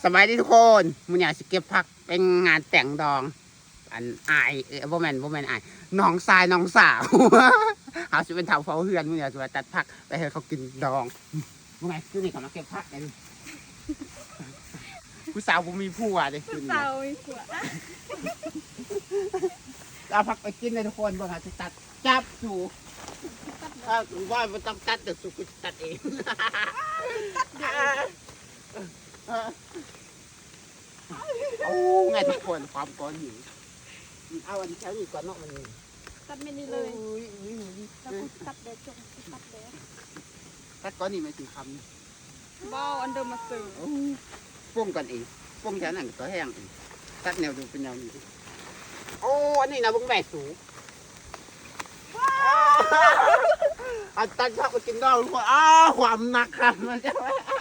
สบายดีทุกคนมึงอยากจะเก็บผักเป็นงานแต่งดองอันอายบ่แม่นอายน้องทรายน้องสาวเขาจะเป็นเถาเฝ้าเฮือนมึงอยากจะตัดผักไปให้เขากินดองมึงไงคือนี่เขามาเก็บผักกันผู้สาวผมมีผัวเลยผู้สาวมีผัวเอาผักไปกินเลยทุกคนบ่ค่ะจะตัดจับสูว่าไม่ต้องตัดแต่สุกตัดเองโอ้ไงทุกคนความก้อนหิวเอาอันแถวนี้ก่อนเนาะมันตัดไม่นี่เลยแล้วกูตัดแดดจงตัดแดดตัดก้อนนี่ไม่ถึงคำบออันเดิมมาซื้อป้งกันเองป้งแถวนั้นก็แห้งเองตัดแนวดูเป็นแนวนี้โอ้อันนี้นะบุ้งแบกสูงอันตัดชอบไปกินดองทุกคนความหนักครับมันจะ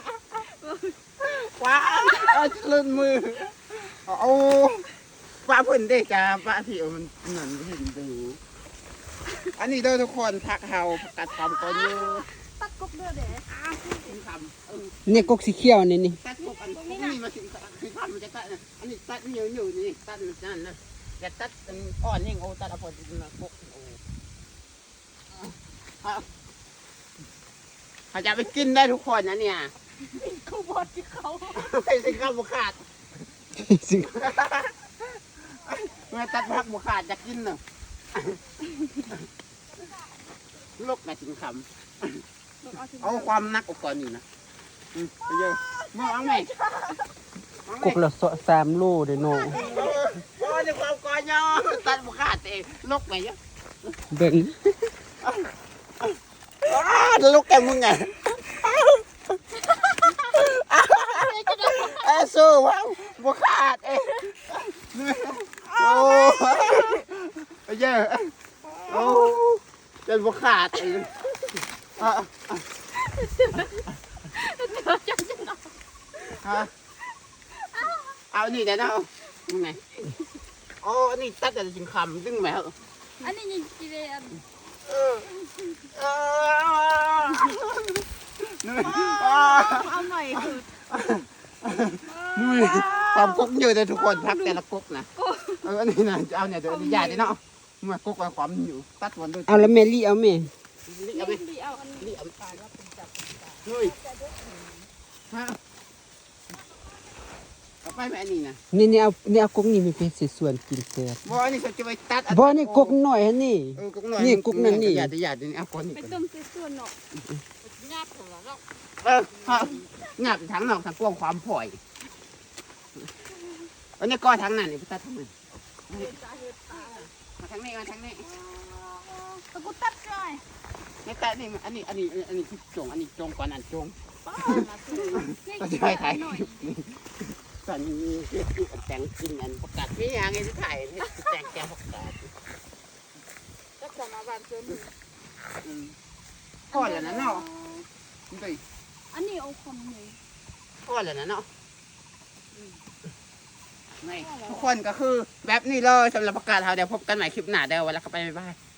ว้าวลื่นมือโอ้ป้าเพิ่นได้จ้าป้าที่มันเหมือนเห็นดูอันนี้เด้อทุกคนพักเฮากัดความก้อนอยู่ตัดกบเดือดเด้กินคำเนี่ยกกสีเขียวนี่นี่ตัดพวกอันนี้มาถึงคือพันมันจะตัดอันนี้ตัดเหนียวนี่ตัดนั่นนะอย่าตัดอ่อนนี่โอ้ตัดเอาพอดีนะพวกโอ้เขาจะไปกินได้ทุกคนนะเนี่ยเขาบอกที่เขาไม่สิข้าวบุขาดสิเมื่อตัดพักบุขาดจะกินเนาะลูกแม่ถึงคำเอาความนักอุปกรณ์อยู่นะไปเยอะมึงเอาไหมกกละ3 โลเด้อโนโอ้ยความก้อนเนาะตัดบุขาดเองลูกไหมเยอะเบิ่งลูกแกมึงไงสู้ว้าวบุขาดเองโอ้เยอะโอ้เป็นบุขาดเองเอานี่เดี๋ยวนะมึงไงโอ้นี่ตัดแต่จริงคำดึงไหมเหรออันนี้ยังกินเลยอัน เอาหน่อยคือนุ่ยความกุ๊กอยู่เลยทุกคนพักแต่ละกุ๊กนะอันนี้นะเอาเนี่ยเดี๋ยวใหญ่ดิเนาะมากุ๊กไว้ความอยู่ตัดวันด้วยเอาแล้วแม่ลี่เอาแม่เอาไปดีเอาอันนี้นี่เอาไปนุ่ยฮะเอาไปแม่นี่นะนี่เอากกนี่มีเป็นสิส่วนกินแซ่บบ่อันนี้เขาจะไปตัดบ่นี่กกน้อยหั่นนี่กุ๊กหน่อยนี่กุ๊กนั่นนี่อย่าดิเอาก้อนนี่ไปก่อนต้มเสื้อส่วนเนาะญาติของเราหนักทั้งนอกทั้งกว้างความผ่อยอันนี้ก้อนทั้งนั้นนี่ตัดทั้งนั้นมาทั้งนี้มาทั้งนี้ตะกูตัดหน่อยนี่ตัดนี่อันนี้คือจงอันนี้จงก่อนอันจงป้ามาซื้อก็จะไปถ่ายตอนนี้แต่งกินอันประกาศไม่ยังไงที่ถ่ายแต่งแกประกาศก็จะมาบ้านซื้อพ่อแล้วนะเนาะไปอันนี้เอาคอมเลยพ่อแล้วนะเนาะทุกคนก็คือแบบนี้เลยสำหรับประกาศเขาเดี๋ยวพบกันใหม่คลิปหน้าเดี๋ยววันละก็ไปบ๊ายบาย